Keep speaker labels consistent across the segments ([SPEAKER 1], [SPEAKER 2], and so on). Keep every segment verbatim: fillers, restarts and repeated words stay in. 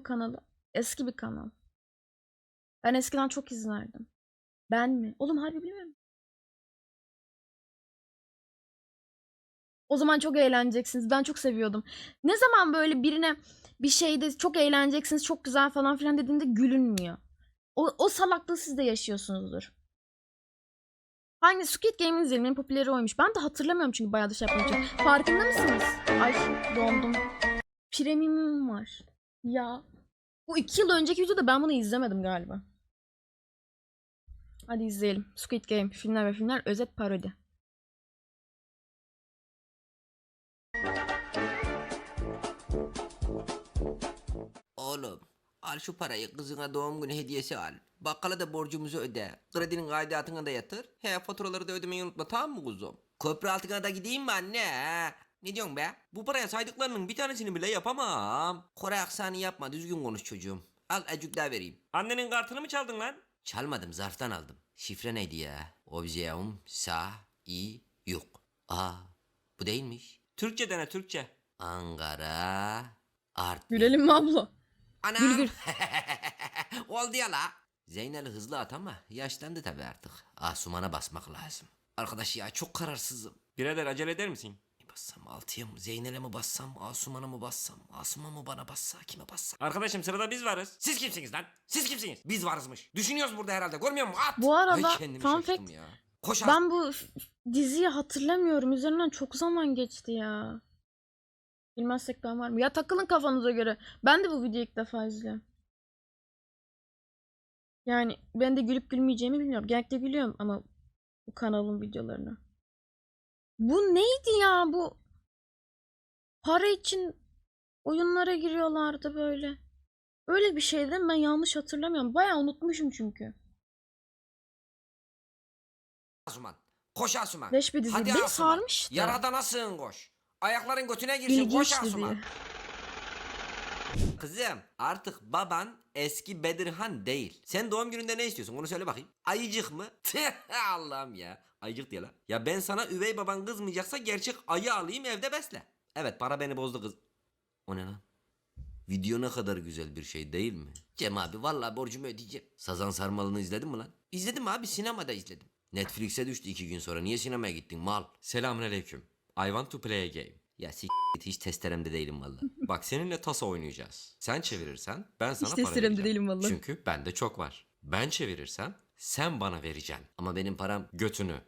[SPEAKER 1] kanalı? Eski bir kanal. Ben eskiden çok izlerdim. Ben mi? Oğlum harbi bilmiyorum. O zaman çok eğleneceksiniz. Ben çok seviyordum. Ne zaman böyle birine bir şeyde çok eğleneceksiniz, çok güzel falan filan dediğinde gülünmüyor. O, o salaklığı siz de yaşıyorsunuzdur. Hangi Squid Game'in izleyelim en popüleri oymuş. Ben de hatırlamıyorum çünkü bayağı da şey yapmayacağım. Farkında mısınız? Ay dondum. Premium'um var. Ya. Bu iki yıl önceki videoda ben bunu izlemedim galiba. Hadi izleyelim. Squid Game filmler ve filmler özet parodi.
[SPEAKER 2] Oğlum al şu parayı kızına doğum günü hediyesi al. Bakkala da borcumuzu öde. Kredinin aidatını da yatır. He faturaları da ödemeyi unutma, tamam mı kuzum? Köprü altına da gideyim mi anne? he? Ne diyorsun be? Bu paraya saydıklarının bir tanesini bile yapamam. Kore aksanı yapma, düzgün konuş çocuğum. Al acık daha vereyim.
[SPEAKER 3] Annenin kartını mı çaldın lan?
[SPEAKER 2] Çalmadım, zarftan aldım. Şifre neydi ya? Objeum sa i yok. Aa, bu değilmiş.
[SPEAKER 3] Türkçe dene Türkçe.
[SPEAKER 2] Ankara Artvin.
[SPEAKER 1] Gülelim mi abla?
[SPEAKER 2] Anam.
[SPEAKER 1] Gül gül.
[SPEAKER 2] Oldu ya la. Zeynel'i hızlı at ama yaşlandı tabi artık. Asuman'a basmak lazım. Arkadaş ya çok kararsızım.
[SPEAKER 3] Birader acele eder misin?
[SPEAKER 2] Ne bassam, altıya mı, Zeynel'e mi bassam, Asuman'a mı bassam, Asuman mı bana bassa, kime bassam?
[SPEAKER 3] Arkadaşım sırada biz varız. Siz kimsiniz lan? Siz kimsiniz? Biz varızmış. Düşünüyoruz burada herhalde, görmüyor musun? At!
[SPEAKER 1] Bu arada
[SPEAKER 2] Ay kendimi
[SPEAKER 1] fun
[SPEAKER 2] şaştım
[SPEAKER 1] fact,
[SPEAKER 2] ya. Koş at.
[SPEAKER 1] ben bu f- diziyi hatırlamıyorum. Üzerinden çok zaman geçti ya. Bilmezsek ben var mı? Ya takılın kafanıza göre. Ben de bu videoyu ilk defa izliyorum. Yani ben de gülüp gülmeyeceğimi bilmiyorum. Genellikle gülüyorum ama bu kanalın videolarına. Bu neydi ya bu? Para için oyunlara giriyorlardı böyle. Öyle bir şeydi mi? Ben yanlış hatırlamıyorum. Bayağı unutmuşum çünkü.
[SPEAKER 2] Asuman. Koş Asuman.
[SPEAKER 1] Leş bir dizi.
[SPEAKER 2] Hadi
[SPEAKER 1] Beni
[SPEAKER 2] Asuman.
[SPEAKER 1] sarmıştı.
[SPEAKER 2] Yaradana sığın koş. Ayakların götüne girsin, koş
[SPEAKER 1] İlginçti
[SPEAKER 2] Asuman.
[SPEAKER 1] diye.
[SPEAKER 2] Kızım artık baban eski Bedirhan değil. Sen doğum gününde ne istiyorsun onu söyle bakayım. Ayıcık mı? Allah'ım ya. Ayıcık diye lan. Ya ben sana üvey baban kızmayacaksa gerçek ayı alayım evde besle. Evet, para beni bozdu kız. O ne lan? Video ne kadar güzel bir şey değil mi? Cem abi vallahi borcumu ödeyeceğim. Sazan Sarmalı'nı izledin mi lan? İzledim abi, sinemada izledim. Netflix'e düştü iki gün sonra. Niye sinemaya gittin mal?
[SPEAKER 3] Selamünaleyküm. I want to play a game.
[SPEAKER 2] Ya s*** hiç testeremde değilim vallahi.
[SPEAKER 3] Bak seninle tasa oynayacağız. Sen çevirirsen ben sana
[SPEAKER 1] Hiç
[SPEAKER 3] para
[SPEAKER 1] testeremde
[SPEAKER 3] vereceğim.
[SPEAKER 1] değilim vallahi.
[SPEAKER 3] Çünkü bende çok var. Ben çevirirsem sen bana vereceksin.
[SPEAKER 2] Ama benim param
[SPEAKER 3] Götünü.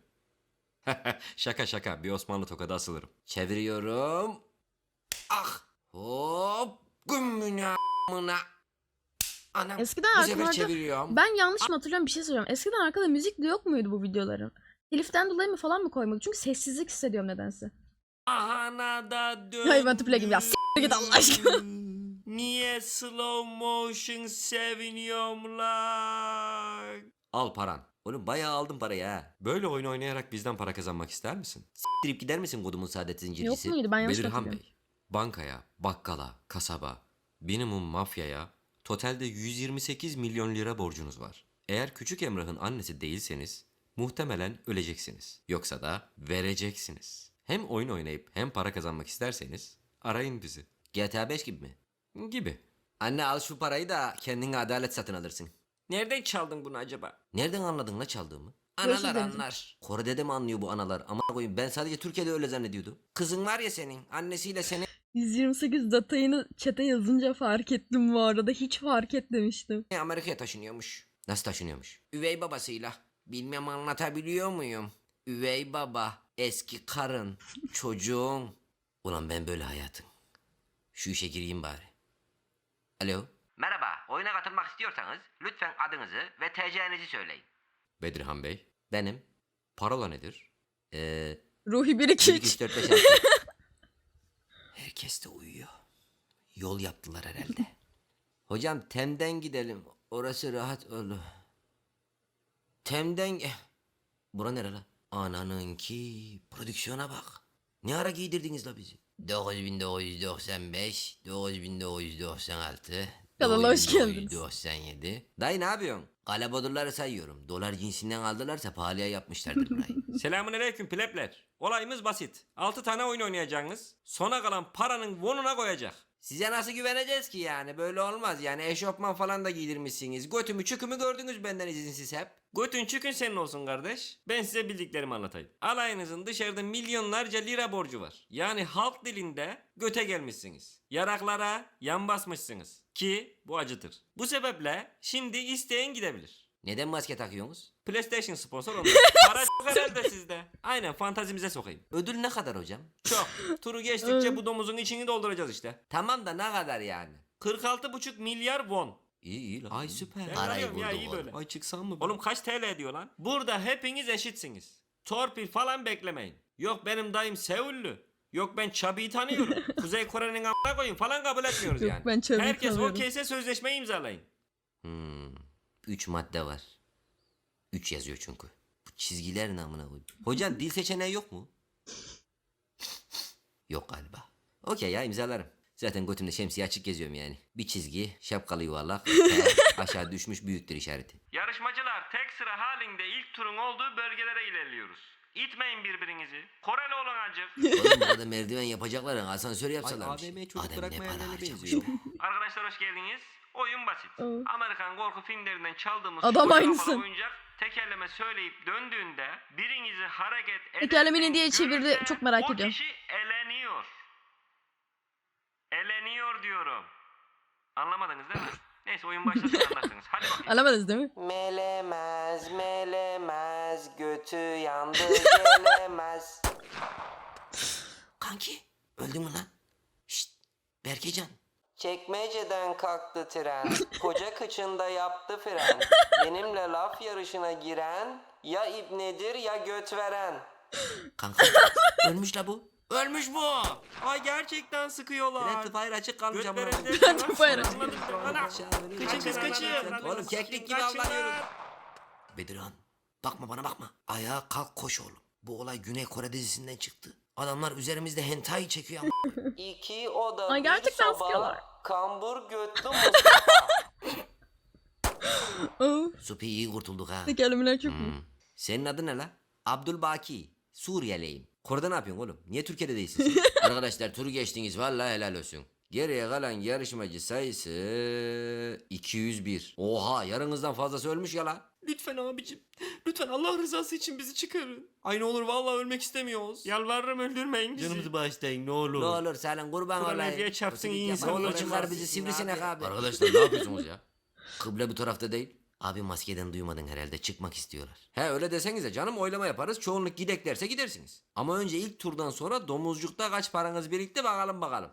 [SPEAKER 3] Şaka şaka, bir Osmanlı tokadı asılırım.
[SPEAKER 2] çeviriyorum. Ah! Hop! Gümmüne a**mına. Anam.
[SPEAKER 1] Eskiden
[SPEAKER 2] bu sefer
[SPEAKER 1] arkalarda
[SPEAKER 2] çeviriyorum.
[SPEAKER 1] ben yanlış mı hatırlıyorum, bir şey söyleyeceğim. Eskiden arkada müzik de yok muydu bu videoların? Teliften dolayı mı falan mı koymadı? Çünkü sessizlik hissediyorum nedense.
[SPEAKER 3] Ahana da dön.
[SPEAKER 1] Hayır, ben to play gibi ya. S**t git Allah aşkına.
[SPEAKER 3] Niye slow motion seviniyorum lan?
[SPEAKER 2] Al paran. Oğlum bayağı aldım parayı ha.
[SPEAKER 3] Böyle oyun oynayarak bizden para kazanmak ister misin?
[SPEAKER 2] Dirip gider misin kodumun saadet
[SPEAKER 1] Yok
[SPEAKER 2] zincircisi?
[SPEAKER 1] muydu? Ben yanlış
[SPEAKER 3] Bedirhan
[SPEAKER 1] hatırlıyorum.
[SPEAKER 3] Bey, bankaya, bakkala, kasaba, minimum mafyaya totalde yüz yirmi sekiz milyon lira borcunuz var. Eğer Küçük Emrah'ın annesi değilseniz muhtemelen öleceksiniz. Yoksa da vereceksiniz. Hem oyun oynayıp hem para kazanmak isterseniz arayın bizi.
[SPEAKER 2] G T A beş gibi mi?
[SPEAKER 3] Gibi.
[SPEAKER 2] Anne al şu parayı da kendine adalet satın alırsın.
[SPEAKER 3] Nereden çaldın bunu acaba?
[SPEAKER 2] Nereden anladın la çaldığımı?
[SPEAKER 1] Görüşürüz
[SPEAKER 2] Analar
[SPEAKER 1] Deniz'im.
[SPEAKER 2] anlar. Kore'de de mi anlıyor bu analar? Ama koyayım, ben sadece Türkiye'de öyle zannediyordum. Kızın var ya senin, annesiyle seni
[SPEAKER 1] yüz yirmi sekiz datayını chat'e yazınca fark ettim bu arada. Hiç fark etmemiştim.
[SPEAKER 2] Amerika'ya taşınıyormuş. Nasıl taşınıyormuş? Üvey babasıyla. Bilmem anlatabiliyor muyum? Üvey baba, eski karın, çocuğun. Ulan ben böyle hayatım. Şu işe gireyim bari. Alo. Merhaba, oyuna katılmak istiyorsanız lütfen adınızı ve T C'nizi söyleyin.
[SPEAKER 3] Bedirhan Bey,
[SPEAKER 2] Benim.
[SPEAKER 3] parola nedir?
[SPEAKER 2] Eee...
[SPEAKER 1] Ruhi bir iki
[SPEAKER 2] bir, iki,
[SPEAKER 1] üç.
[SPEAKER 2] üç, dört, beş, altı. Herkes de uyuyor. Yol yaptılar herhalde. Hocam Tem'den gidelim. Orası rahat olur. Tem'den... Eh, Bura nere la? Ananınki. Prodüksiyona bak. Ne ara giydirdiniz la bizi? dokuz bin dokuz yüz doksan beş, dokuz bin dokuz yüz doksan altı,
[SPEAKER 1] Kanala hoş
[SPEAKER 2] dokuz bin dokuz yüz
[SPEAKER 1] geldiniz.
[SPEAKER 2] doksan yedi. Dayı ne yapıyorsun? Kalabodurları sayıyorum. Dolar cinsinden aldılarsa pahalıya yapmışlardır burayı.
[SPEAKER 3] Selamünaleyküm plebler. Olayımız basit. altı tane oyun oynayacaksınız. Sona kalan paranın vonuna koyacak.
[SPEAKER 2] Size nasıl güveneceğiz ki yani? Böyle olmaz yani, eşofman falan da giydirmişsiniz. Götümü çükümü gördünüz benden izinsiz hep.
[SPEAKER 3] Götün çükün senin olsun kardeş. Ben size bildiklerimi anlatayım. Alayınızın dışarıda milyonlarca lira borcu var. Yani halk dilinde göte gelmişsiniz. Yaraklara yan basmışsınız. Ki bu acıtır. Bu sebeple şimdi isteyen gidebilir.
[SPEAKER 2] Neden maske takıyorsunuz?
[SPEAKER 3] PlayStation sponsor olmuş. Para çok herhalde sizde. Aynen, fantazimize sokayım.
[SPEAKER 2] Ödül ne kadar hocam?
[SPEAKER 3] Çok. Turu geçtikçe bu domuzun içini dolduracağız işte.
[SPEAKER 2] Tamam da ne kadar yani?
[SPEAKER 3] kırk altı buçuk milyar won.
[SPEAKER 2] İyi iyi lan.
[SPEAKER 3] Ay süper. Ben
[SPEAKER 2] Parayı
[SPEAKER 3] arıyorum ya,
[SPEAKER 2] bulduk
[SPEAKER 3] iyi
[SPEAKER 2] oğlum.
[SPEAKER 3] böyle.
[SPEAKER 2] Ay çıksam mı?
[SPEAKER 3] Oğlum kaç T L ediyor lan? Burada hepiniz eşitsiniz. Torpil falan beklemeyin. Yok benim dayım Seullü. Yok ben Çabi'yi tanıyorum. Kuzey Kore'nin a**ına koyun falan kabul etmiyoruz
[SPEAKER 1] Yok,
[SPEAKER 3] yani.
[SPEAKER 1] ben Çabi'yi
[SPEAKER 3] Herkes
[SPEAKER 1] tanıyorum.
[SPEAKER 3] okeyse sözleşmeyi imzalayın.
[SPEAKER 2] Hmm. Üç madde var. Üç yazıyor çünkü. Bu çizgiler ne amına koyayım? Hocam dil seçeneği yok mu? Yok galiba. Okey ya, imzalarım. Zaten götümde şemsiye açık geziyorum yani. Bir çizgi, şapkalı yuvarlak, T, aşağı düşmüş büyüktür işareti.
[SPEAKER 3] Yarışmacılar tek sıra halinde ilk turun olduğu bölgelere ilerliyoruz. İtmeyin birbirinizi. Koreli olun acık.
[SPEAKER 2] Oğlum burada merdiven yapacaklar ya, asansör yapsalarmış.
[SPEAKER 3] Ay, A V M çocuk
[SPEAKER 2] Adem
[SPEAKER 3] bırakma
[SPEAKER 2] ne para
[SPEAKER 3] yerlerine
[SPEAKER 2] harcamış
[SPEAKER 3] benziyor.
[SPEAKER 2] ya.
[SPEAKER 3] Arkadaşlar hoş geldiniz. Oyun basit.
[SPEAKER 1] Aa.
[SPEAKER 3] Amerikan korku filmlerinden çaldığımız
[SPEAKER 1] Adam
[SPEAKER 3] şu
[SPEAKER 1] aynısın.
[SPEAKER 3] kafalı oyuncak tekerleme söyleyip döndüğünde birinizi hareket
[SPEAKER 1] Tekerleme ne
[SPEAKER 3] ederseniz
[SPEAKER 1] diye çevirdi,
[SPEAKER 3] görürse
[SPEAKER 1] çok merak
[SPEAKER 3] o
[SPEAKER 1] ediyorum.
[SPEAKER 3] kişi eleniyor. Eleniyor diyorum. Anlamadınız değil mi? Neyse oyun başlasın anlarsınız. Hadi bakayım.
[SPEAKER 1] Alamadınız değil mi?
[SPEAKER 2] Melemez melemez götü yandı gelemez. Kanki öldün mü lan? Şşt Berkecan. Çekmeceden kalktı tren, koca kıçında yaptı fren. Benimle laf yarışına giren, ya ibnedir ya göt veren. Kanka ölmüş la bu. Ölmüş bu.
[SPEAKER 3] Ay gerçekten sıkıyorlar.
[SPEAKER 2] Friendly fire açık kalmış ama.
[SPEAKER 3] Götlerinde
[SPEAKER 1] Friendly fire.
[SPEAKER 3] Kaçın kız kaçın.
[SPEAKER 2] Oğlum keklik gibi avlanıyoruz. Bedirhan bakma bana bakma. Ayağa kalk koş oğlum. Bu olay Güney Kore dizisinden çıktı. Adamlar üzerimizde hentai çekiyor ama. İki oda
[SPEAKER 1] Ay, gerçekten sıkıyorlar.
[SPEAKER 2] Kambur götlü Mustafa.
[SPEAKER 1] Aa,
[SPEAKER 2] Supi iyi kurtulduk ha.
[SPEAKER 1] tekerlemeler çok mu?
[SPEAKER 2] Hmm. Senin adın ne la? Abdülbaki. Suriyeliyim. Kore'de ne yapıyorsun oğlum? Niye Türkiye'de değilsin sen? Arkadaşlar turu geçtiniz, vallahi helal olsun. Geriye kalan yarışmacı sayısı iki yüz bir. Oha, yarınızdan fazlası ölmüş ya la.
[SPEAKER 3] Lütfen abicim. Lütfen Allah rızası için bizi çıkarın. Ay ne olur vallahi ölmek istemiyoruz. Yalvarırım öldürmeyin bizi.
[SPEAKER 2] bağışlayın ne olur. Ne olur Salın kurban
[SPEAKER 3] Kur'an
[SPEAKER 2] olayım.
[SPEAKER 3] Nebiye çarpsın iyi
[SPEAKER 2] Ne
[SPEAKER 3] insan
[SPEAKER 2] olur
[SPEAKER 3] olur.
[SPEAKER 2] çıkar bizi sivrisinek abi. Arkadaşlar ne yapıyorsunuz ya? Kıble bu tarafta değil. Abi maskeden duymadın herhalde, çıkmak istiyorlar. He öyle desenize canım, oylama yaparız, çoğunluk gidek derse gidersiniz. Ama önce ilk turdan sonra domuzcukta kaç paranız birikti bakalım bakalım.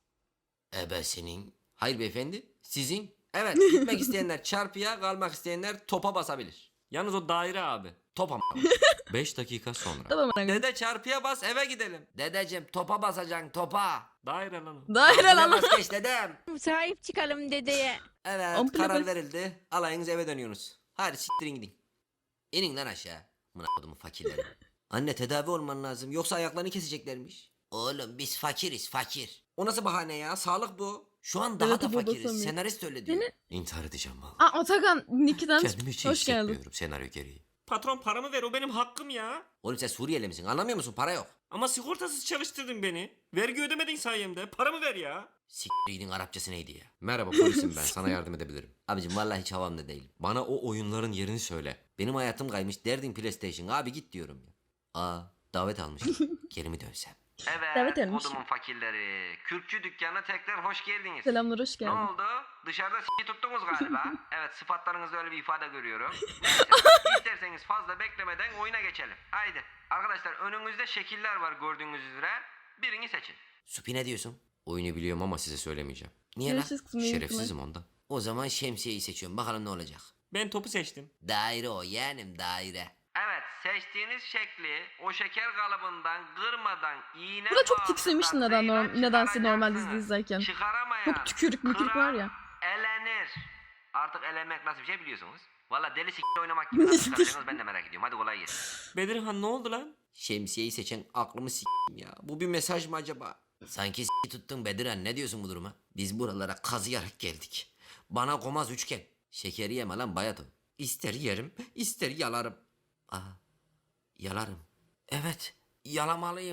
[SPEAKER 2] Ebe senin. Hayır beyefendi, sizin. Evet, gitmek isteyenler çarpıya, kalmak isteyenler topa basabilir.
[SPEAKER 3] Yalnız o daire abi.
[SPEAKER 2] Top ama.
[SPEAKER 3] beş dakika sonra.
[SPEAKER 1] Tamam anne.
[SPEAKER 2] Dede çarpıya bas, eve gidelim. Dedeciğim topa basacaksın, topa.
[SPEAKER 3] Daire lan o.
[SPEAKER 1] Daire lan.
[SPEAKER 2] Bas geç dedem.
[SPEAKER 4] Sahip çıkalım dedeye.
[SPEAKER 2] Evet,
[SPEAKER 1] Ampule
[SPEAKER 2] karar
[SPEAKER 1] bas.
[SPEAKER 2] verildi. Alayınız eve dönüyorsunuz. Hadi siktirin gidin. İnin lan aşağı. Mına kodumu fakirleri. Anne tedavi olman lazım, yoksa ayaklarını keseceklermiş. Oğlum biz fakiriz, fakir. O nasıl bahane ya? Sağlık bu. Şu an daha
[SPEAKER 1] Evet,
[SPEAKER 2] da
[SPEAKER 1] bu
[SPEAKER 2] fakiriz.
[SPEAKER 1] basamıyor.
[SPEAKER 2] Senarist öyle diyor.
[SPEAKER 1] Seni-
[SPEAKER 3] İntihar edeceğim vallahi.
[SPEAKER 1] Aa, Atakan Niki'den
[SPEAKER 3] Kendimi hiç iyi
[SPEAKER 1] hoş geldin.
[SPEAKER 3] hissetmiyorum senaryo gereği. Patron paramı ver, o benim hakkım ya.
[SPEAKER 2] Oğlum sen Suriyeli misin? Anlamıyor musun? Para yok.
[SPEAKER 3] Ama sigortasız çalıştırdın beni. Vergi ödemedin sayemde. Paramı ver ya.
[SPEAKER 2] Siktirin Arapçası neydi ya?
[SPEAKER 3] Merhaba polisim ben. Sana yardım edebilirim.
[SPEAKER 2] Abicim vallahi hiç havamda değilim.
[SPEAKER 3] Bana o oyunların yerini söyle.
[SPEAKER 2] Benim hayatım kaymış, derdin PlayStation. Abi git diyorum ya. Aa davet almış. Geri mi dönsem?
[SPEAKER 3] Evet,
[SPEAKER 1] Davet etmiş.
[SPEAKER 3] kodumun fakirleri. Kürkçü dükkanına tekrar hoş geldiniz.
[SPEAKER 1] Selamlar, hoş
[SPEAKER 3] Ne
[SPEAKER 1] geldin.
[SPEAKER 3] oldu? Dışarıda s*** tuttunuz galiba. Evet, sıfatlarınızda öyle bir ifade görüyorum. Neyse, isterseniz fazla beklemeden oyuna geçelim. Haydi. Arkadaşlar önünüzde şekiller var gördüğünüz üzere. Birini seçin.
[SPEAKER 2] Supi ne diyorsun?
[SPEAKER 3] Oyunu biliyorum ama size söylemeyeceğim.
[SPEAKER 2] Niye lan?
[SPEAKER 1] Görüşürüz kızım. iyi
[SPEAKER 3] Şerefsizim ondan.
[SPEAKER 2] O zaman şemsiyeyi seçiyorum. Bakalım ne olacak.
[SPEAKER 3] Ben topu seçtim.
[SPEAKER 2] Daire o yeğenim daire.
[SPEAKER 3] Evet, seçtiğiniz şekli o şeker kalıbından kırmadan iğne
[SPEAKER 1] Burada çok tiksinmiştim neden norm-
[SPEAKER 3] vasıtasıyla
[SPEAKER 1] nedense normal dizi
[SPEAKER 3] çıkaracaksınız.
[SPEAKER 1] izlerken.
[SPEAKER 3] Çıkaramayan,
[SPEAKER 1] Çok tükürük mükürük
[SPEAKER 3] kıran,
[SPEAKER 1] var ya.
[SPEAKER 3] elenir. Artık elenmek nasıl bir şey biliyorsunuz. Valla deli s*** oynamak gibi nasıl çıkaracaksınız ben de merak ediyorum. Hadi kolay gelsin. Bedirhan ne oldu lan?
[SPEAKER 2] Şemsiyeyi seçen aklımı s**tim ya. Bu bir mesaj mı acaba? Sanki s*** tuttun Bedirhan, ne diyorsun bu duruma? Biz buralara kazıyarak geldik. Bana komaz üçgen. Şekeri yeme lan bayat o. İster yerim, ister yalarım. Aa, yalarım. Evet, yalamalıyım.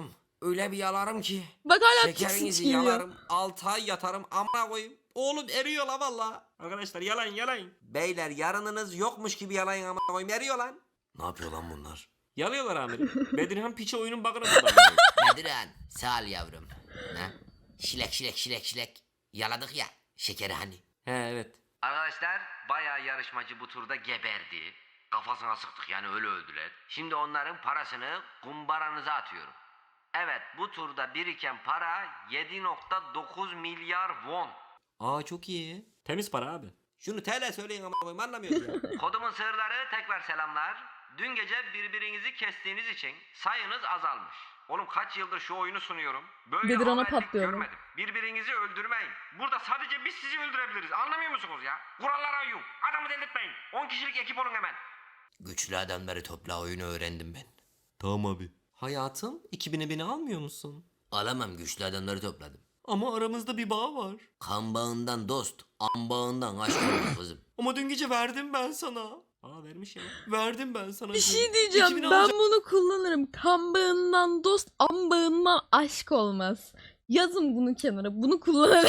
[SPEAKER 2] öyle bir yalarım ki.
[SPEAKER 1] Bak hala
[SPEAKER 2] Şekerinizi
[SPEAKER 1] tiksinç geliyor.
[SPEAKER 2] yalarım. altı ay yatarım amına koyayım. Oğlum eriyor la valla. Arkadaşlar yalan yalan. Beyler yarınınız yokmuş gibi yalayın amına koyayım, eriyor lan. Ne yapıyor lan bunlar?
[SPEAKER 5] Yalıyorlar amirim. Bedirhan piçe oyunun bakını buldu.
[SPEAKER 2] Bedirhan sağ ol yavrum. Ha? Şilek şilek şilek şilek. Yaladık ya şekeri hani.
[SPEAKER 5] He evet.
[SPEAKER 2] Arkadaşlar bayağı yarışmacı bu turda geberdi. Kafasına sıktık yani öyle öldüler. Şimdi onların parasını kumbaranıza atıyorum. Evet bu turda biriken para yedi nokta dokuz milyar won.
[SPEAKER 3] Aa çok iyi.
[SPEAKER 5] Temiz para abi.
[SPEAKER 2] Şunu T L söyleyin ama koyayım anlamıyoruz ya. Kodumun sığırları tekrar selamlar. Dün gece birbirinizi kestiğiniz için sayınız azalmış. Oğlum kaç yıldır şu oyunu sunuyorum. Böyle
[SPEAKER 1] Bedirhan'a
[SPEAKER 2] haberlik
[SPEAKER 1] patlıyor mu?
[SPEAKER 2] görmedim. Birbirinizi öldürmeyin. Burada sadece biz sizi öldürebiliriz. Anlamıyor musunuz ya? Kurallara uyun. Adamı delirtmeyin. on kişilik ekip olun hemen. Güçlü adamları topla oyunu öğrendim ben.
[SPEAKER 3] Tamam abi. Hayatım iki bine beni almıyor musun?
[SPEAKER 2] Alamam güçlü adamları topladım.
[SPEAKER 3] Ama aramızda bir bağ var.
[SPEAKER 2] Kan bağından dost, an bağından aşk olur kızım.
[SPEAKER 3] Ama dün gece verdim ben sana.
[SPEAKER 5] Aa vermiş ya.
[SPEAKER 3] Verdim ben sana.
[SPEAKER 1] Bir
[SPEAKER 3] dün.
[SPEAKER 1] şey diyeceğim.
[SPEAKER 3] iki bini
[SPEAKER 1] Ben
[SPEAKER 3] alacak-
[SPEAKER 1] bunu kullanırım. Kan bağından dost, an bağından aşk olmaz. Yazın bunu kenara. Bunu kullanırım.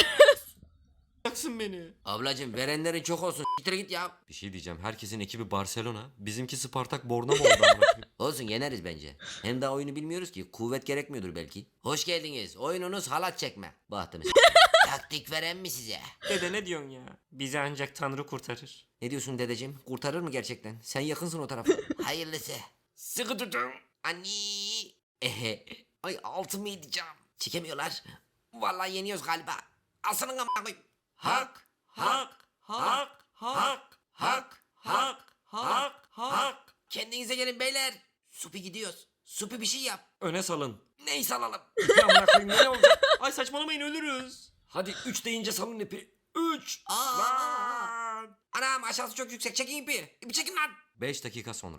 [SPEAKER 3] alacaksın beni.
[SPEAKER 2] Ablacım verenlerin çok olsun. Siktir git ya.
[SPEAKER 3] Bir şey diyeceğim. Herkesin ekibi Barcelona. Bizimki Spartak Borna mı oldu? amına koyayım?
[SPEAKER 2] Olsun yeneriz bence. Hem daha oyunu bilmiyoruz ki. Kuvvet gerekmiyordur belki. Hoş geldiniz. Oyununuz halat çekme. Bahtımız. Taktik veren mi size?
[SPEAKER 5] Dede ne diyorsun ya? Bizi ancak Tanrı kurtarır.
[SPEAKER 2] Ne diyorsun dedeciğim? Kurtarır mı gerçekten? Sen yakınsın o tarafa. Hayırlısı. Sıkı tutun. Anni. Ehe. Ay altımı yiyeceğim. Çekemiyorlar. Vallahi yeniyoruz galiba. Asının amına koyayım. Hak. Hak. Hak. Hak. Hak. Hak. Hak. Hak. Kendinize gelin beyler. Supi gidiyoruz. Supi bir şey yap.
[SPEAKER 5] Öne salın.
[SPEAKER 2] Neyi salalım?
[SPEAKER 5] Ya amına koyayım ne olacak? Ay saçmalamayın ölürüz. Hadi üç deyince salın ipi. Üç.
[SPEAKER 2] Aa.
[SPEAKER 5] Lan.
[SPEAKER 2] Anam aşağısı çok yüksek. Çekin ipi. İpi çekin lan.
[SPEAKER 3] beş dakika sonra.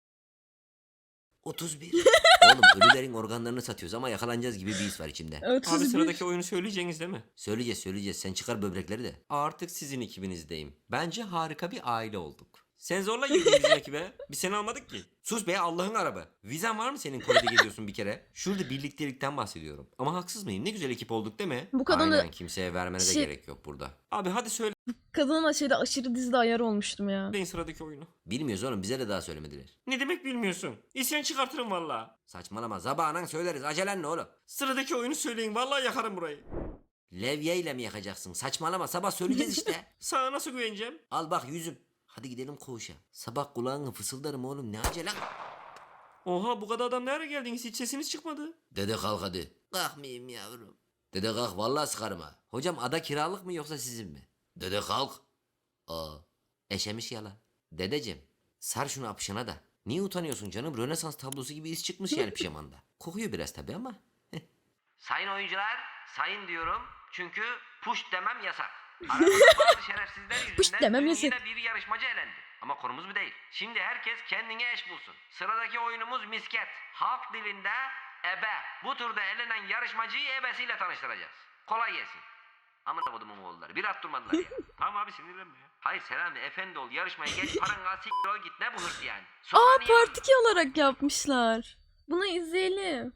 [SPEAKER 2] otuz bir. Oğlum ölülerin organlarını satıyoruz ama yakalanacağız gibi bir his var içimde.
[SPEAKER 5] Abi
[SPEAKER 1] otuz bir.
[SPEAKER 5] sıradaki oyunu söyleyeceğiniz değil mi?
[SPEAKER 2] Söyleyeceğiz söyleyeceğiz. Sen çıkar böbrekleri de.
[SPEAKER 3] Artık sizin ekibinizdeyim. Bence harika bir aile olduk.
[SPEAKER 5] Sen zorla girdin bizim ekibe. Biz seni almadık ki.
[SPEAKER 3] Sus be Allah'ın arabı. Vizen var mı senin Kore'de geziyorsun bir kere? Şurada birliktelikten bahsediyorum. Ama haksız mıyım? Ne güzel ekip olduk değil mi?
[SPEAKER 1] Bu kadın da
[SPEAKER 3] Aynen kimseye vermene de
[SPEAKER 1] Şey-
[SPEAKER 3] gerek yok burada.
[SPEAKER 5] Abi hadi söyleyin
[SPEAKER 1] kadına şeyde aşırı dizide ayar olmuştum ya.
[SPEAKER 5] sıradaki oyunu.
[SPEAKER 2] Bilmiyoruz oğlum bize de daha söylemediler.
[SPEAKER 5] Ne demek bilmiyorsun? İsyan çıkartırım valla.
[SPEAKER 2] Saçmalama zabağından söyleriz. Acelen ne oğlum?
[SPEAKER 5] Sıradaki oyunu söyleyin vallahi yakarım burayı.
[SPEAKER 2] Levye ile mi yakacaksın? Saçmalama sabah söyleyeceğiz işte.
[SPEAKER 5] Sana nasıl güveneceğim?
[SPEAKER 2] Al bak yüzüm. Hadi gidelim koğuşa. Sabah kulağını fısıldarım oğlum ne acelen.
[SPEAKER 5] Oha bu kadar adam nereye geldiniz hiç sesiniz çıkmadı.
[SPEAKER 2] Dede kalk hadi. Kalkmayayım yavrum. Dede kalk vallahi sıkarım ha. Hocam ada kiralık mı yoksa sizin mi? Dede kalk. Aa eşemiş yalan. Dedeciğim sar şunu apışına da. Niye utanıyorsun canım? Rönesans tablosu gibi iz çıkmış yani pijamanda. Kokuyor biraz tabi ama. Sayın oyuncular, sayın diyorum. Çünkü push demem yasak. Aramızda bazı şerefsizler yüzünden
[SPEAKER 1] Push demem
[SPEAKER 2] dün
[SPEAKER 1] yasak.
[SPEAKER 2] yine bir yarışmacı elendi. Ama konumuz bu değil. Şimdi herkes kendine eş bulsun. Sıradaki oyunumuz misket. Halk dilinde ebe. Bu turda elenen yarışmacıyı ebesiyle tanıştıracağız. Kolay gelsin. Amına kodumun oğulları. Bir at durmadılar ya.
[SPEAKER 5] Tamam abi sinirlenme ya.
[SPEAKER 2] Hayır Selami efendi ol yarışmaya geç paran al siktir ol git ne bu hırs yani.
[SPEAKER 1] Aa
[SPEAKER 2] Sonra niye-
[SPEAKER 1] part iki olarak yapmışlar. Bunu izleyelim.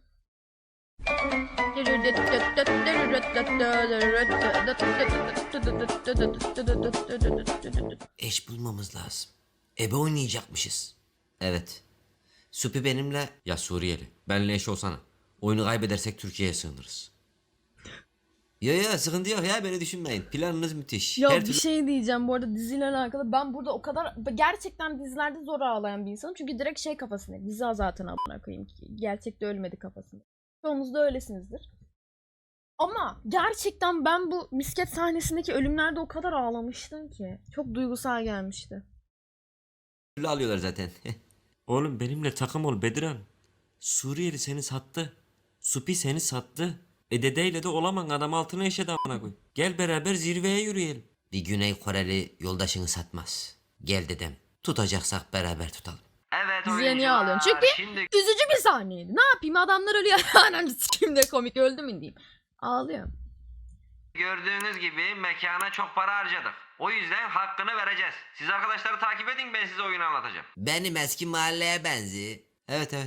[SPEAKER 2] Eş bulmamız lazım. Ebe oynayacakmışız. Evet. Supi benimle...
[SPEAKER 3] Ya Suriyeli. Benle eş olsana. Oyunu kaybedersek Türkiye'ye sığınırız.
[SPEAKER 2] Yo yo sıkıntı yok ya beni düşünmeyin. Planınız müthiş.
[SPEAKER 1] Ya
[SPEAKER 2] Her
[SPEAKER 1] bir
[SPEAKER 2] türlü
[SPEAKER 1] şey diyeceğim bu arada diziyle alakalı. Ben burada o kadar gerçekten dizilerde zor ağlayan bir insanım. Çünkü direkt şey kafasında. Dizi zaten amına koyayım. Gerçekte ölmedi kafasında. Çoğunuz da öylesinizdir. Ama gerçekten ben bu misket sahnesindeki ölümlerde o kadar ağlamıştım ki. Çok duygusal gelmişti.
[SPEAKER 2] türlü alıyorlar zaten.
[SPEAKER 5] Oğlum benimle takım ol Bedirhan. Suriyeli seni sattı. Supi seni sattı. E dedeyle de olaman adam altına eşedi amına koy. Gel beraber zirveye yürüyelim.
[SPEAKER 2] Bir Güney Koreli yoldaşını satmaz. Gel dedem. Tutacaksak beraber tutalım. Evet
[SPEAKER 1] Diziye niye ağlıyorsun? Çünkü
[SPEAKER 2] Şimdi
[SPEAKER 1] üzücü bir sahneydi. Ne yapayım adamlar ölüyor. Anam sikeyim de komik öldü mü diyeyim. Ağlıyorum.
[SPEAKER 2] gördüğünüz gibi mekana çok para harcadık. O yüzden hakkını vereceğiz. Siz arkadaşları takip edin ben size oyunu anlatacağım. Benim eski mahalleye benzi. Evet evet.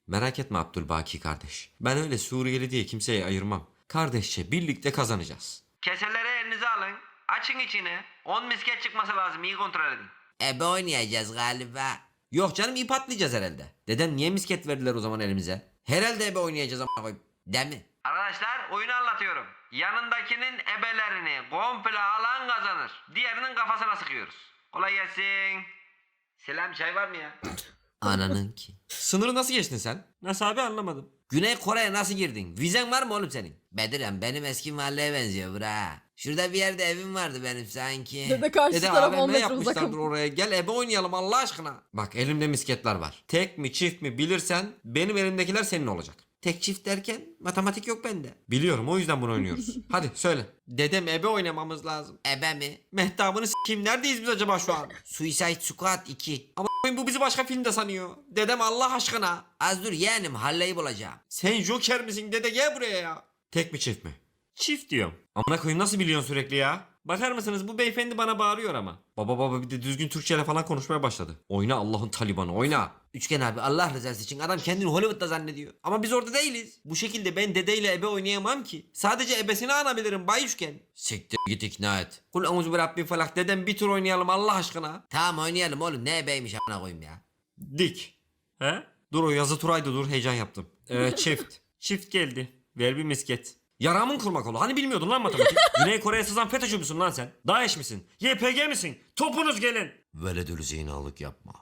[SPEAKER 3] Merak etme Abdülbaki kardeş. Ben öyle Suriyeli diye kimseyi ayırmam. Kardeşçe birlikte kazanacağız.
[SPEAKER 2] Keseleri elinize alın. Açın içini. on misket çıkması lazım. İyi kontrol edin. Ebe oynayacağız galiba. Yok canım ip atlayacağız herhalde. Deden niye misket verdiler o zaman elimize? Herhalde ebe oynayacağız ama koyayım. Değil mi? Arkadaşlar oyunu anlatıyorum. Yanındakinin ebelerini komple alan kazanır. Diğerinin kafasına sıkıyoruz. Kolay gelsin. Selam çay var mı ya? Ananın ki.
[SPEAKER 3] Sınırı nasıl geçtin sen?
[SPEAKER 5] Nasıl abi anlamadım.
[SPEAKER 2] Güney Kore'ye nasıl girdin? Vizen var mı oğlum senin? Bedirem benim eski mahalleye benziyor bura. Şurada bir yerde evim vardı benim sanki.
[SPEAKER 1] Dede karşı
[SPEAKER 3] Dede
[SPEAKER 1] taraf on
[SPEAKER 3] A V M
[SPEAKER 1] metre
[SPEAKER 3] yapmışlardır
[SPEAKER 1] uzak.
[SPEAKER 3] oraya. Gel ebe oynayalım Allah aşkına. Bak elimde misketler var. Tek mi çift mi bilirsen benim elimdekiler senin olacak.
[SPEAKER 2] Tek çift derken matematik yok bende.
[SPEAKER 3] Biliyorum o yüzden bunu oynuyoruz. Hadi söyle. Dedem ebe oynamamız lazım.
[SPEAKER 2] Ebe mi?
[SPEAKER 3] Mehtabını s**eyim neredeyiz biz acaba şu an?
[SPEAKER 2] Suicide Squad iki.
[SPEAKER 3] Ama bu bizi başka filmde sanıyor. Dedem Allah aşkına.
[SPEAKER 2] Az dur yeğenim halleyi bulacağım.
[SPEAKER 3] Sen Joker misin dede gel buraya ya. Tek mi çift mi?
[SPEAKER 5] Çift diyorum.
[SPEAKER 3] Amına koyayım nasıl biliyorsun sürekli ya? Bakar mısınız bu beyefendi bana bağırıyor ama. Baba baba bir de düzgün Türkçeyle falan konuşmaya başladı. Oyna Allah'ın Talibanı oyna.
[SPEAKER 2] Üçgen abi Allah rızası için adam kendini Hollywood'da zannediyor.
[SPEAKER 3] Ama biz orada değiliz. Bu şekilde ben dedeyle ebe oynayamam ki. Sadece ebesini anabilirim Bay Üçgen.
[SPEAKER 2] Siktir git ikna et.
[SPEAKER 3] Kul emuzu bir Rabbin felak dedem bir tur oynayalım Allah aşkına.
[SPEAKER 2] Tamam oynayalım oğlum ne ebeymiş amına koyayım ya.
[SPEAKER 3] Dik.
[SPEAKER 5] He?
[SPEAKER 3] Dur o yazı turaydı dur heyecan yaptım. Ee, çift.
[SPEAKER 5] Çift geldi. Ver bir misket.
[SPEAKER 3] Yaramın kurmak oğlu. Hani bilmiyordun lan matematik?
[SPEAKER 5] Güney Kore'ye sızan FETÖ'cü müsün lan sen? DAEŞ misin? Y P G misin? Topunuz gelin.
[SPEAKER 3] Veledül zinalık yapma.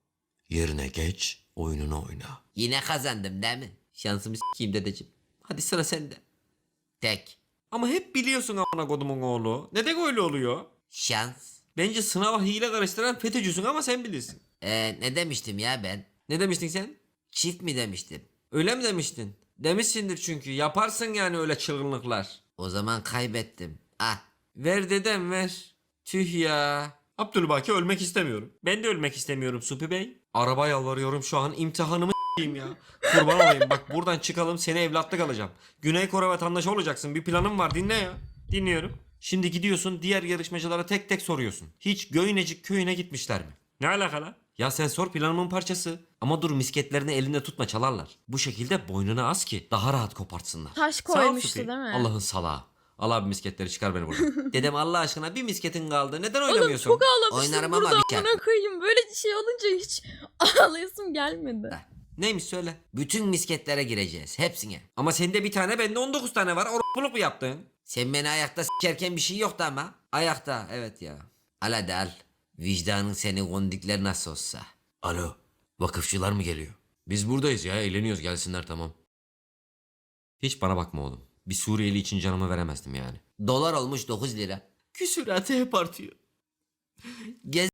[SPEAKER 3] Yerine geç, oyununu oyna.
[SPEAKER 2] Yine kazandım değil mi? Şansımı s**eyim dedeciğim. Hadi sıra sende. Tek.
[SPEAKER 3] Ama hep biliyorsun amına kodumun oğlu. Neden öyle oluyor?
[SPEAKER 2] Şans.
[SPEAKER 3] Bence sınava hile karıştıran FETÖ'cüsün ama sen bilirsin.
[SPEAKER 2] Ee, ne demiştim ya ben?
[SPEAKER 3] Ne demiştin sen?
[SPEAKER 2] Çift mi demiştim?
[SPEAKER 3] Öyle mi demiştin? Demişsindir çünkü. Yaparsın yani öyle çılgınlıklar.
[SPEAKER 2] O zaman kaybettim. Ah.
[SPEAKER 3] Ver dedem ver. Tüh ya. Abdülbaki ölmek istemiyorum.
[SPEAKER 5] Ben de ölmek istemiyorum Supi Bey.
[SPEAKER 3] Araba yalvarıyorum şu an imtihanımı s**eyim ya. Kurban olayım bak buradan çıkalım seni evlatlık alacağım. Güney Kore vatandaşı olacaksın bir planım var dinle ya.
[SPEAKER 5] Dinliyorum.
[SPEAKER 3] Şimdi gidiyorsun diğer yarışmacılara tek tek soruyorsun. Hiç Göynecik köyüne gitmişler mi?
[SPEAKER 5] Ne alakalı?
[SPEAKER 3] Ya sen sor planımın parçası. Ama dur misketlerini elinde tutma çalarlar. Bu şekilde boynuna as ki daha rahat kopartsınlar.
[SPEAKER 1] Taş
[SPEAKER 5] ol
[SPEAKER 1] koymuştu
[SPEAKER 5] Supi.
[SPEAKER 1] değil mi?
[SPEAKER 3] Allah'ın salağı. Al abi misketleri çıkar beni buradan.
[SPEAKER 2] Dedem Allah aşkına bir misketin kaldı. Neden
[SPEAKER 1] Oğlum
[SPEAKER 2] oynamıyorsun?
[SPEAKER 1] çok ağlamıştım
[SPEAKER 2] Oynarım ama
[SPEAKER 1] burada
[SPEAKER 2] bir kere.
[SPEAKER 1] amına koyayım. Böyle bir şey olunca hiç ağlayasım gelmedi.
[SPEAKER 3] Neymiş söyle.
[SPEAKER 2] Bütün misketlere gireceğiz. Hepsine.
[SPEAKER 3] Ama sende bir tane bende on dokuz tane var. Orpuluk mu yaptın?
[SPEAKER 2] Sen beni ayakta s**erken bir şey yoktu ama. Ayakta evet ya. Al hadi al. Vicdanın seni kondikler nasıl olsa.
[SPEAKER 3] Alo. Vakıfçılar mı geliyor? Biz buradayız ya eğleniyoruz gelsinler tamam. Hiç bana bakma oğlum. Bir Suriyeli için canımı veremezdim yani.
[SPEAKER 2] Dolar olmuş dokuz lira.
[SPEAKER 3] Küsüratı hep artıyor.
[SPEAKER 2] Gez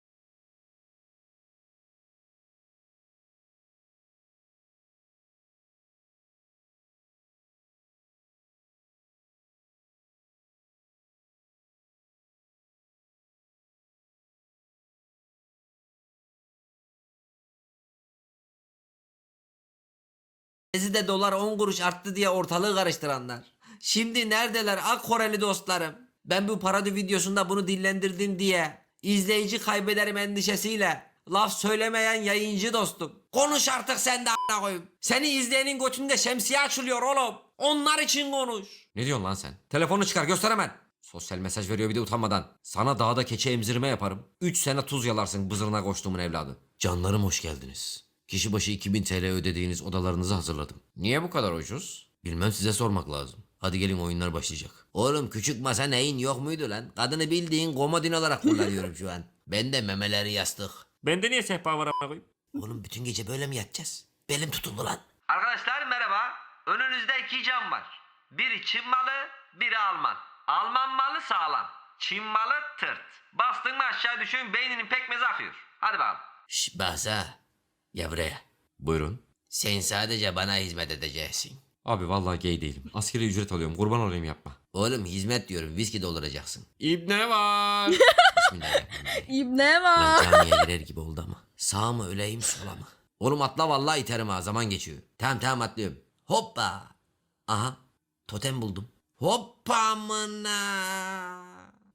[SPEAKER 2] Gezi'de dolar on kuruş arttı diye ortalığı karıştıranlar. Şimdi neredeler ak Koreli dostlarım? Ben bu parodi videosunda bunu dillendirdim diye izleyici kaybederim endişesiyle laf söylemeyen yayıncı dostum. Konuş artık sen de a**ına koyayım. Seni izleyenin götünde şemsiye açılıyor oğlum. Onlar için konuş.
[SPEAKER 3] Ne diyorsun lan sen? Telefonu çıkar göster hemen. Sosyal mesaj veriyor bir de utanmadan. Sana dağda keçi emzirme yaparım. üç sene tuz yalarsın bızırına koştuğumun evladı. Canlarım hoş geldiniz. Kişi başı iki bin T L ödediğiniz odalarınızı hazırladım. Niye bu kadar ucuz? Bilmem size sormak lazım. Hadi gelin oyunlar başlayacak.
[SPEAKER 2] Oğlum küçük masa neyin yok muydu lan? Kadını bildiğin komodin olarak kullanıyorum şu an. Ben de memeleri yastık.
[SPEAKER 5] Bende niye sehpa var amına koyayım?
[SPEAKER 2] Oğlum bütün gece böyle mi yatacağız? Belim tutuldu lan.
[SPEAKER 6] Arkadaşlar merhaba. Önünüzde iki cam var. Biri Çin malı, biri Alman. Alman malı sağlam. Çin malı tırt. Bastın mı aşağı düşün beyninin pekmezi akıyor. Hadi bakalım.
[SPEAKER 2] Şş Bahsa. Ya buraya.
[SPEAKER 3] Buyurun.
[SPEAKER 2] Sen sadece bana hizmet edeceksin.
[SPEAKER 3] Abi vallahi gay değilim. Askeri ücret alıyorum. Kurban olayım yapma.
[SPEAKER 2] Oğlum hizmet diyorum viski dolduracaksın.
[SPEAKER 3] İbne var.
[SPEAKER 2] Bismillahirrahmanirrahim.
[SPEAKER 1] İbne
[SPEAKER 2] Lan
[SPEAKER 1] var.
[SPEAKER 2] camiye girer gibi oldu ama. Sağ mı öleyim sola mı? Oğlum atla vallahi iterim ha zaman geçiyor. Tamam tamam atlıyorum. Hoppa. Aha totem buldum. Hoppa amına.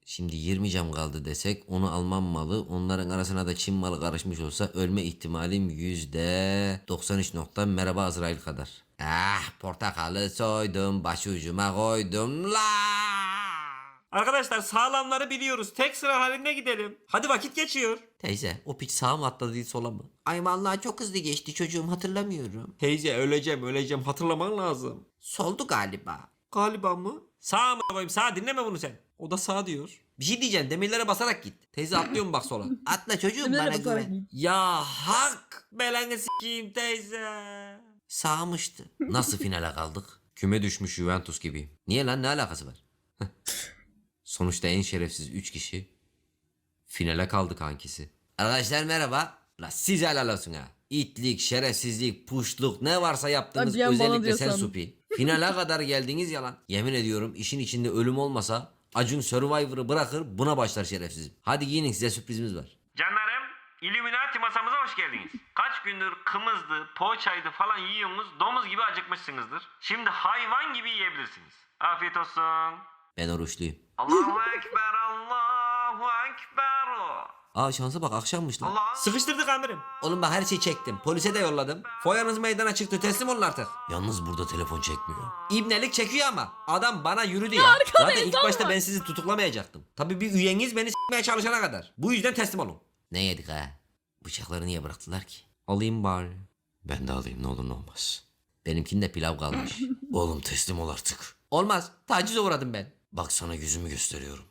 [SPEAKER 3] Şimdi yirmi cam kaldı desek onu Alman malı onların arasına da Çin malı karışmış olsa ölme ihtimalim yüzde doksan üç nokta merhaba Azrail kadar. Ah portakalı soydum başucuma koydum la.
[SPEAKER 5] Arkadaşlar sağlamları biliyoruz. Tek sıra halinde gidelim. Hadi vakit geçiyor.
[SPEAKER 3] Teyze o piç sağa mı atladı değil sola mı? Ay vallahi çok hızlı geçti çocuğum hatırlamıyorum.
[SPEAKER 5] Teyze öleceğim öleceğim hatırlaman lazım.
[SPEAKER 3] Soldu galiba.
[SPEAKER 5] Galiba mı? Sağ mı koyayım sağ dinleme bunu sen. O da sağ diyor.
[SPEAKER 2] Bir şey diyeceğim demirlere basarak git. Teyze atlıyorum bak sola.
[SPEAKER 3] Atla çocuğum
[SPEAKER 1] Nereye
[SPEAKER 3] bana
[SPEAKER 1] bakarak
[SPEAKER 3] güven.
[SPEAKER 2] Ya hak.
[SPEAKER 5] Belanı s**eyim teyze.
[SPEAKER 3] Sağmıştı. Nasıl finale kaldık? Küme düşmüş Juventus gibi. Niye lan ne alakası var? Sonuçta en şerefsiz üç kişi finale kaldı kankisi. Arkadaşlar merhaba. La siz helal olsun ha. İtlik, şerefsizlik, puşluk ne varsa yaptınız
[SPEAKER 1] Ay, bir an bana
[SPEAKER 3] özellikle
[SPEAKER 1] diyor
[SPEAKER 3] sen
[SPEAKER 1] sandım.
[SPEAKER 3] Supi. Finale kadar geldiniz yalan. Yemin ediyorum işin içinde ölüm olmasa Acun Survivor'ı bırakır buna başlar şerefsizim. Hadi giyinin size sürprizimiz var.
[SPEAKER 6] Canlarım, Illuminati masamıza hoş geldiniz. Kaç gündür kımızdı, poğaçaydı falan yiyorsunuz, domuz gibi acıkmışsınızdır. Şimdi hayvan gibi yiyebilirsiniz. Afiyet olsun.
[SPEAKER 3] Ben oruçluyum.
[SPEAKER 6] Allahu Ekber, Allahu Ekber.
[SPEAKER 3] Aa şansa bak akşammış lan.
[SPEAKER 6] Allah.
[SPEAKER 5] Sıkıştırdık amirim.
[SPEAKER 2] Oğlum bak her şeyi çektim. Polise de yolladım. Foyanız meydana çıktı teslim olun artık.
[SPEAKER 3] Yalnız burada telefon çekmiyor.
[SPEAKER 2] İbnelik çekiyor ama. Adam bana yürüdü ya. Zaten ilk
[SPEAKER 1] insan
[SPEAKER 2] başta
[SPEAKER 1] var.
[SPEAKER 2] ben sizi tutuklamayacaktım. Tabii bir üyeniz beni s**meye çalışana kadar. Bu yüzden teslim olun.
[SPEAKER 3] Ne yedik ha? Bıçakları niye bıraktılar ki?
[SPEAKER 2] Alayım bari.
[SPEAKER 3] Ben de alayım ne olur ne olmaz. Benimkinde pilav kalmış. Oğlum teslim ol artık.
[SPEAKER 2] Olmaz. Tacize uğradım ben.
[SPEAKER 3] Bak sana yüzümü gösteriyorum.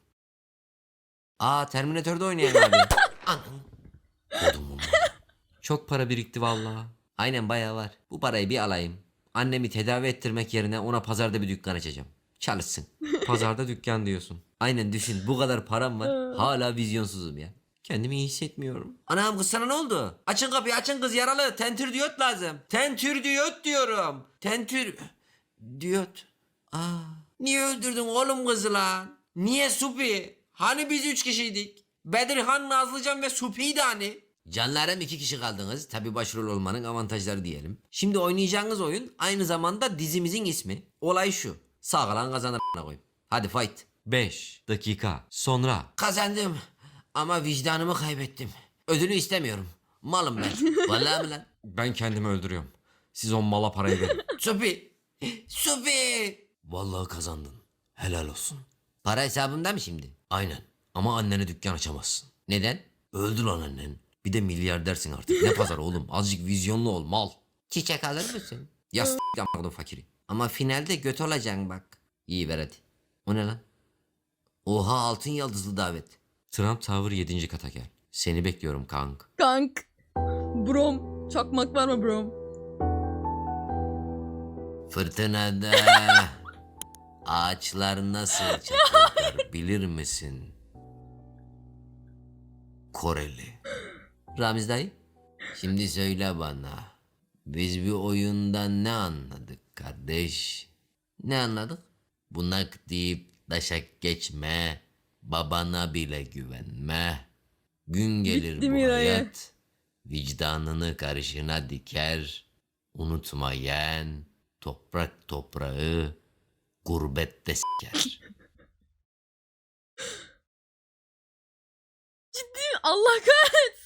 [SPEAKER 3] Aa Terminator'da oynayan abi. Anam. Kodum bunlar.
[SPEAKER 2] Çok para birikti vallahi.
[SPEAKER 3] Aynen bayağı var. Bu parayı bir alayım. Annemi tedavi ettirmek yerine ona pazarda bir dükkan açacağım. Çalışsın.
[SPEAKER 2] Pazarda dükkan diyorsun.
[SPEAKER 3] Aynen düşün bu kadar param var. Hala vizyonsuzum ya. Kendimi iyi hissetmiyorum.
[SPEAKER 2] Anam kız sana ne oldu? Açın kapıyı açın kız yaralı. Tentür diyot lazım. Tentür diyot diyorum. Tentür diyot. Aa, niye öldürdün oğlum kızı lan? Niye Supi? Hani biz üç kişiydik? Bedirhan, Nazlıcan ve Supi'ydi hani.
[SPEAKER 3] Canlarım iki kişi kaldınız. Tabi başrol olmanın avantajları diyelim. Şimdi oynayacağınız oyun aynı zamanda dizimizin ismi. Olay şu. Sağ kalan kazanır a**ına koyayım. Hadi fight.
[SPEAKER 2] beş dakika sonra.
[SPEAKER 3] Kazandım. Ama vicdanımı kaybettim. Ödülü istemiyorum. Malım ben. Vallahi mi lan?
[SPEAKER 2] Ben kendimi öldürüyorum. Siz o mala parayı verin.
[SPEAKER 3] Supi. Supi. Vallahi kazandın. Helal olsun. Para hesabımda mı şimdi? Aynen. Ama annene dükkan açamazsın. Neden? Öldü lan annen. Bir de milyardersin artık. Ne pazar oğlum? Azıcık vizyonlu ol mal. Çiçek alır mısın? Ya s*** yapmadım fakiri. Ama finalde göt olacaksın bak. İyi ver hadi. O ne lan? Oha altın yıldızlı davet.
[SPEAKER 2] Trump Tower yedinci kata gel.
[SPEAKER 3] Seni bekliyorum kank.
[SPEAKER 1] Kank. Brom. Çakmak var mı brom?
[SPEAKER 3] Fırtınada ağaçlar nasıl çatlar bilir misin? Koreli. Ramiz dayı. Şimdi söyle bana. Biz bir oyundan ne anladık kardeş? Ne anladık? Bunak deyip taşak geçme. Babana bile güvenme. Gün gelir
[SPEAKER 1] Bitti
[SPEAKER 3] bu
[SPEAKER 1] mi dayı?
[SPEAKER 3] hayat. Vicdanını karşına diker. Unutma yeğen. Toprak toprağı gurbette s**ker.
[SPEAKER 1] Allah kahretsin.